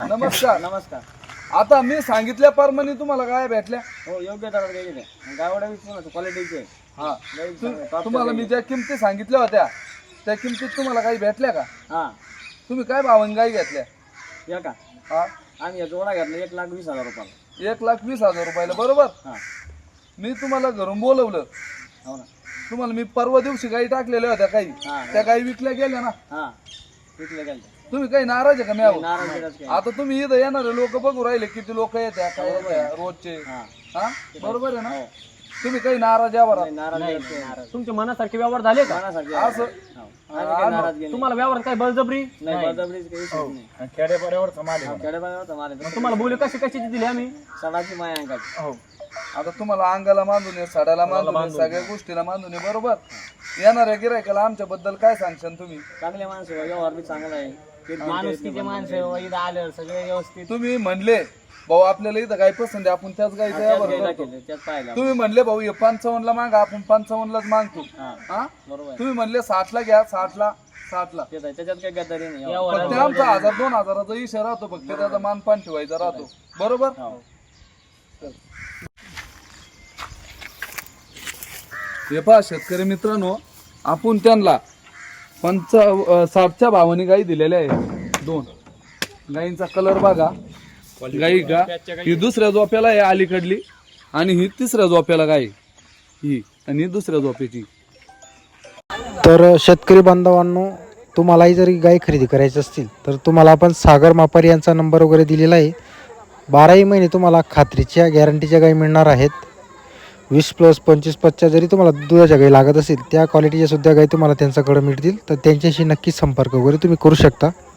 नमस्कार. नमस्कार. आता मी सांगितल्याप्रमाणे तुम्हाला गाय भेटल्या. हो, योग्य दरात गेलेले गावडा विचारतो क्वालिटीचे. हा, तुम्हाला मी ज्या किमती सांगितल्या होत्या त्या किमतीत तुम्हाला काही भेटल्या का? हा, तुम्ही काय भावाने गाय घेतल्या? या का हा, आम्ही या जोडा घेतला 1,20,000 रुपयाला. 1,20,000 रुपयाला. बरोबर. हा, मी तुम्हाला घरून बोलवलं, हो ना. तुम्हाला मी परवा दिवशी गाई टाकलेल्या होत्या काही, हा, त्या गाई विकल्या गेल्या ना. हा, विकले गेले. तुम्ही काही नाराज आहे का मी आहो? नाराज बिराज काही. आता तुम्ही इथं येणारे लोक बघू राहिले किती लोक येत्या काय येत्या रोजचे. हा, हा, बरोबर आहे ना. हो. तुम्ही काही नाराज यावर नाही, नाराज नाही. तुमच्या मनासारखे व्यवहार झाले का? मनासारखे असं हो. आम्ही काही नाराज गेले तुम्हाला व्यवहार काय बळजबरी? नाही, बळजबरीच काही विषय नाही. खेड्यापाड्यावर समाज खेडेपाड्यावर मारे मग तुम्हाला बोली कशाची दिली आम्ही? सणाची माया अंगाची. हो. आता तुम्हाला अंगाला बांधून आहे, साड्याला बांधून आहे, सगळ्या गोष्टीला बांधून आहे. बरोबर. येणाऱ्या गिरायकाला आमच्या बद्दल काय सांगशाल तुम्ही? चांगले माणसं आहे, व्यवहार बी चांगला आहे. माणूस किती माणसं इथं आलं सगळे व्यवस्थित. तुम्ही म्हणले भाऊ आपल्याला इथं गाय पसंत आहे, आपण त्याच गायचं त्यात यावर गेला करतो. केले, त्यात पाहिलं. तुम्ही म्हणले भाऊ हे 55 ला मागा, आपण 55 लाच मागतो. हा, हा, बरोबर आहे. तुम्ही म्हणले 60 ला घ्या, 60 ला. तेच आहे, त्याच्यात काही गद्दारी नाही. फक्त आमचा 1000-2000चा इशारा राहतो, फक्त त्याचा मानपान ठेवायचा राहतो. बरोबर. हो. हे पहा शेतकरी मित्रांनो, आपण त्यांना 60च्या भावाने गाई दिलेल्या आहे. 2 गाईंचा कलर बघा. गाई का ही दुसऱ्या झोप्याला आहे अलीकडली, आणि ही तिसऱ्या झोप्याला गाय ही, आणि ही दुसऱ्या झोप्याची. तर शेतकरी बांधवांनो, तुम्हालाही जरी गाय खरेदी करायची असतील तर तुम्हाला आपण सागर मापारी यांचा नंबर वगैरे दिलेला आहे. 12ही महिने तुम्हाला खात्रीच्या गॅरंटीच्या गाई मिळणार आहेत. 20+, 25+च्या जरी तुम्हाला दुधाच्या गाई लागत असेल त्या क्वालिटीच्या सुद्धा गाई तुम्हाला त्यांच्याकडे मिळतील. तर त्यांच्याशी नक्कीच संपर्क वगैरे तुम्ही करू शकता.